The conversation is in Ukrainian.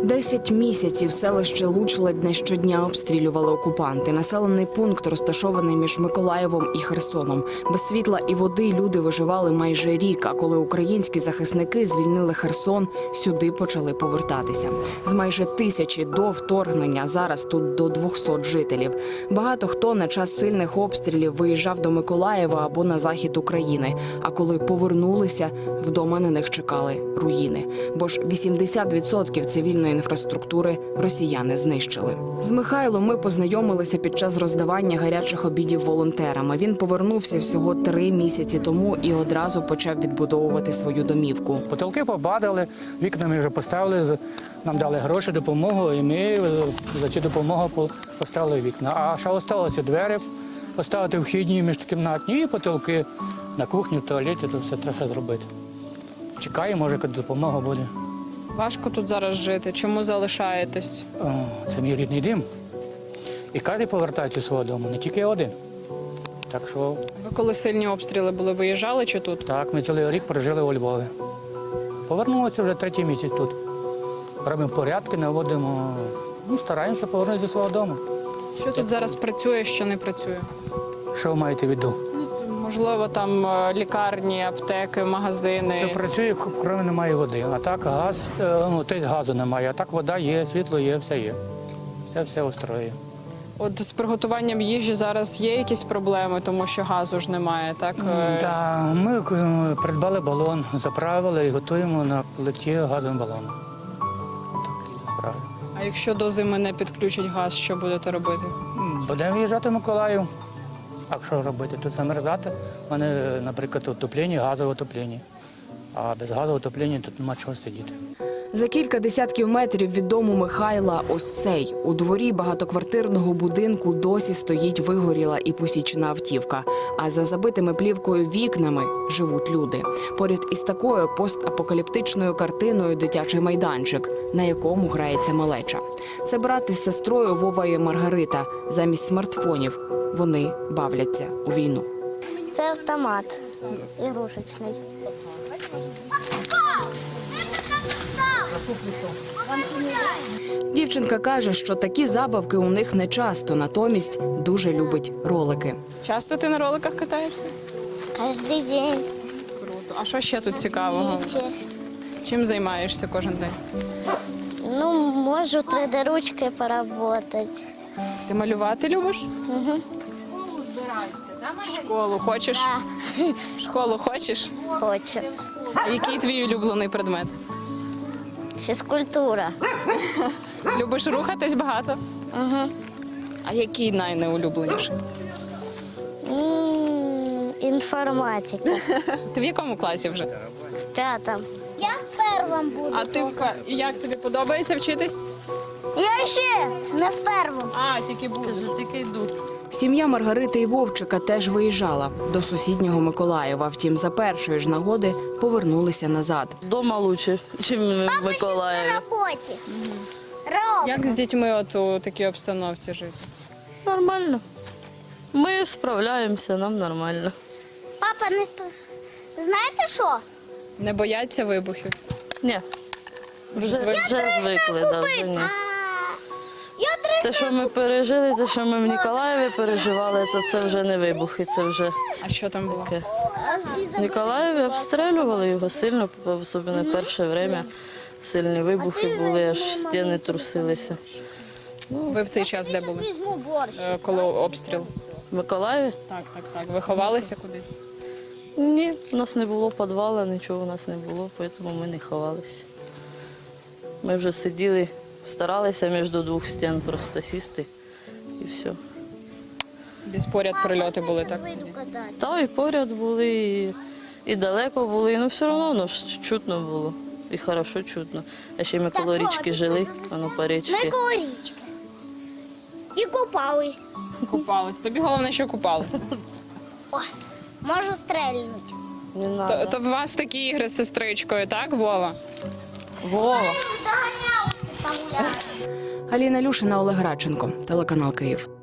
10 місяців селище Луч ледь не щодня обстрілювали окупанти. Населений пункт розташований між Миколаєвом і Херсоном. Без світла і води люди виживали майже рік, а коли українські захисники звільнили Херсон, сюди почали повертатися. З майже 1000 до вторгнення зараз тут до 200 жителів. Багато хто на час сильних обстрілів виїжджав до Миколаєва або на захід України. А коли повернулися, вдома на них чекали руїни. Бо ж 80% цивільної інфраструктури росіяни знищили. З Михайлом ми познайомилися під час роздавання гарячих обідів волонтерами. Він повернувся всього 3 місяці тому і одразу почав відбудовувати свою домівку. Потолки побадали, вікна ми вже поставили, нам дали гроші, допомогу, і ми за цю допомогу поставили вікна. А ще залишилося двері поставити вхідні, міжкімнатні і потолки на кухні, в туалеті, то все треба зробити. Чекаємо, може, коли допомога буде. Важко тут зараз жити. Чому залишаєтесь? Це мій рідний дім. І кожен повертається до свого дому, не тільки один. Так що, Ви коли сильні обстріли були, виїжджали чи тут? так, ми цілий рік прожили у Львові. Повернулися вже 3-й місяць тут. Робимо порядки, наводимо, стараємося повернутися до свого дому. Що тут зараз працює, що не працює? Що ви маєте в виду? Можливо, там лікарні, аптеки, магазини. Все працює, крім немає води. А так газ, тобто газу немає, а так вода є, світло є, все є. Все устроює. От з приготуванням їжі зараз є якісь проблеми, тому що газу ж немає, так? Так, ми придбали балон, заправили і готуємо на плиті газовим балоном. Так, заправили. А якщо до зими не підключать газ, що будете робити? Будемо виїжджати в Миколаїв. А що робити? Тут замерзати. У мене, наприклад, отоплення, газове отоплення. А без газового отоплення тут нема чого сидіти. За кілька десятків метрів від дому Михайла ось цей. У дворі багатоквартирного будинку досі стоїть вигоріла і посічена автівка. А за забитими плівкою вікнами живуть люди. Поряд із такою постапокаліптичною картиною дитячий майданчик, на якому грається малеча. Це брат із сестрою Вова і Маргарита. Замість смартфонів вони бавляться у війну. Це автомат ігрушечний. Дівчинка каже, що такі забавки у них не часто, натомість дуже любить ролики. Часто ти на роликах катаєшся? Кожен день. Круто. А що ще тут цікавого? Вітер. Чим займаєшся кожен день? Ну, можу 3D-ручкою поработати. Ти малювати любиш? Угу. Школу хочеш? Школу хочеш? Хочу. А який твій улюблений предмет? Фізкультура. Любиш рухатись багато? Угу. А який найнеулюбленіший? Інформатика. Ти в якому класі вже? В 5-му. Я в першому буду. А ти і як тобі подобається вчитись? Я ще не в першому. А, тільки буду, тільки йду. Сім'я Маргарити і Вовчика теж виїжджала до сусіднього Миколаєва. Втім, за першої ж нагоди повернулися назад. Дома краще, ніж в Миколаєві. На роботі. Як з дітьми от у такій обстановці жити? Нормально. Ми справляємося, нам нормально. Папа, знаєте що? Не бояться вибухів? Ні, вже звикли, да, вже ні. Я Те, що ми пережили, те, що ми в Ніколаєві переживали, то це вже не вибухи, це вже А що там було? таке. В Ніколаєві обстрілювали його сильно, особливо перше час. Сильні вибухи були, аж стіни трусилися. Ви в цей час де були? візьму борщ. Коли обстріл? В Миколаєві? Так. Ви ховалися кудись? Ні, у нас не було підвалу, нічого у нас не було, тому ми не ховалися. Ми вже сиділи, старалися між двох стін просто сісти і все. Десь поряд прильоти були, так? Вийду кататися. Та і поряд були, і далеко були, але все одно воно ж чутно було. І хорошо чутно. А ще ми коло річки жили, воно по річці. Ми коло річки. І купались. Купались. Тобі головне, що купалися. О, можу стрельнути. Не надо. То в вас такі ігри з сестричкою, так, Вова? Вова. Аліна Люшина, Олег Радченко, телеканал Київ.